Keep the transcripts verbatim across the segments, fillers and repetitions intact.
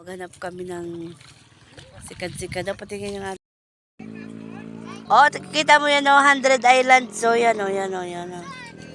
Maghanap kami ng sikad-sikad. Dapat tingin yung ating. Oh, kita mo yan o, Hundred Island. So, yan o, yan o, yan o.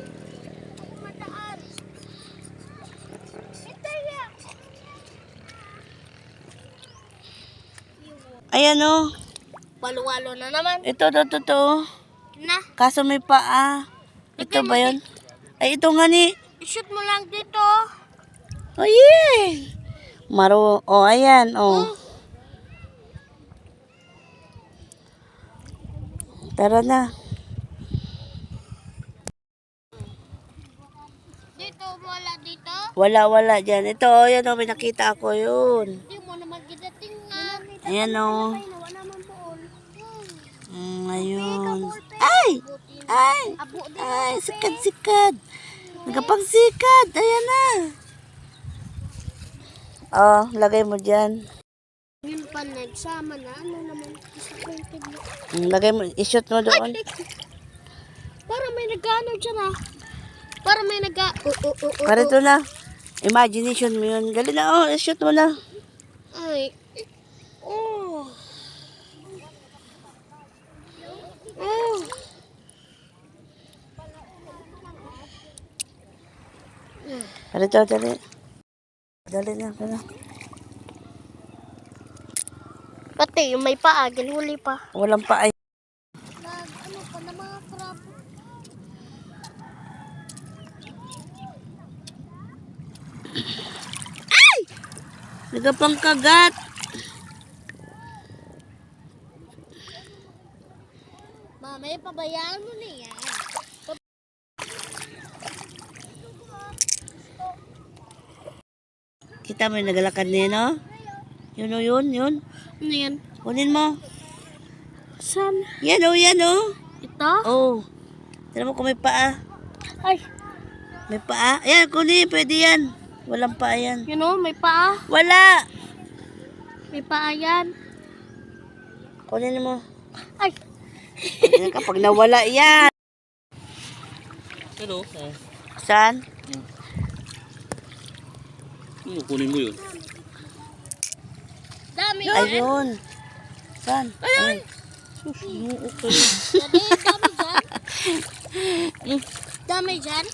Ayan o. Walo-walo na naman. Ito, ito, ito, ito. Na. Kaso may paa. Ito ba yun? Ay, ito nga ni. I-shoot mo lang dito. Oh, yeah. Maro. Oh, ayan. Oh. Tara na. Dito, wala dito. Wala, wala dyan. Ito, oh, yan oh, may nakita ako yun. Hindi mo naman gidatingan. Ayan oh. Wala naman doon. Mm, ayun. Ay! Ay! Ay, sikad-sikad. Nagapang-sikad. Ayan na. Oh, lagay mo dyan. Yung pa nagsama na, ano naman, disappointed mo. Mm, lagay mo, i-shoot mo doon. Para may nag-ano dyan ah. Para may nag- uh, uh, uh, uh, Para ito na. Imagination mo yun. Dali na, oh, i-shoot mo na. Ay. Oh. Oh. Para ito, dali. Dali na, dali. Pati yung may paa, ginhuli pa. Walang pa ay. Nag, ano pa na mga crab. Ay! Nagapang kagat. Mamay, pabayaan mo na yan. Kita mo yung nagalakad niya, no? Yun o, yun, yun. Ano yan? Kunin mo. Saan? Yan o, yan o. Ito? Oh. Tira mo kung may paa. Ay, May paa. Ayan, kunin. Pwede yan. Walang paa yan. you know, may paa. Wala. May paa yan. Kunin mo. Ay, Ayan, kapag nawala yan. Hello. Saan? Ano, kunin mo yun? dami yan. Ayun. Saan? Ayun. Dami, dami dyan. Dami dyan.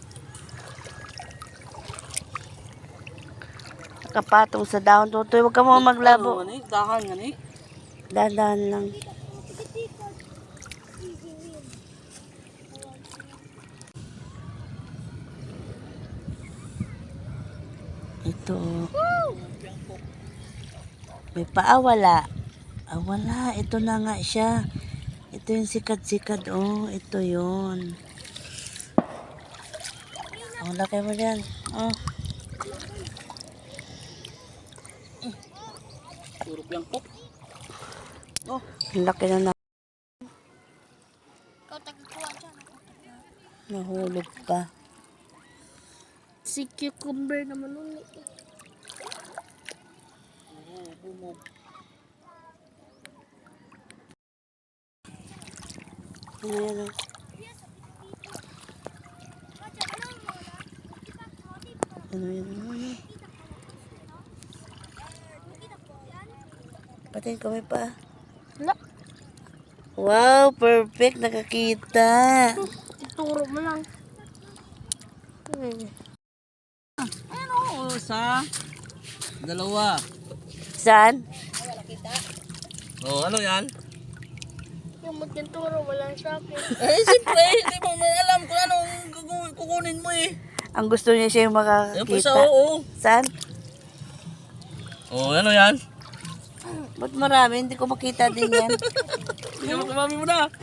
Nakapatong sa dahon. Tutoy, huwag ka mo maglabo. Ano, dahan nga ni. Dahan lang. Ito. May paa, wala. Ah, wala. Ito na nga siya. Ito yung sikat-sikat. Oh, ito yun. Oh, laki mo dyan. Oh. Puro plangkok. Oh, laki na na. Ikaw tagakuha dyan. Nahulog pa. Si cucumber naman ulit. Ano yan oh. Ano yan oh. Patingin ko may pa. Wala. Wow, perfect. Nakakita. Ituro mo lang. Hmm. Ano, sa dalawa. Saan? Oh, ano yan? Yung magtuturo mo lang sa akin. Eh, siyempre, hindi mo may alam kung anong kuku- kukunin mo eh. Ang gusto niya siya yung Yan po sa makakita. oo. Saan? Oh, ano yan? Ba't marami? Hindi ko makita din yan. Hindi mo kumami mo na.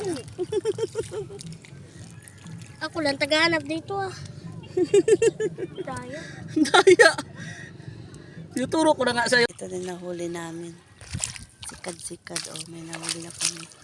Ako lang tagahanap dito ah. Daya. Daya. Tinuturo ko na nga sa'yo. Ito din nahuli namin. Sikad-sikad. Oh, may nahuli na kami.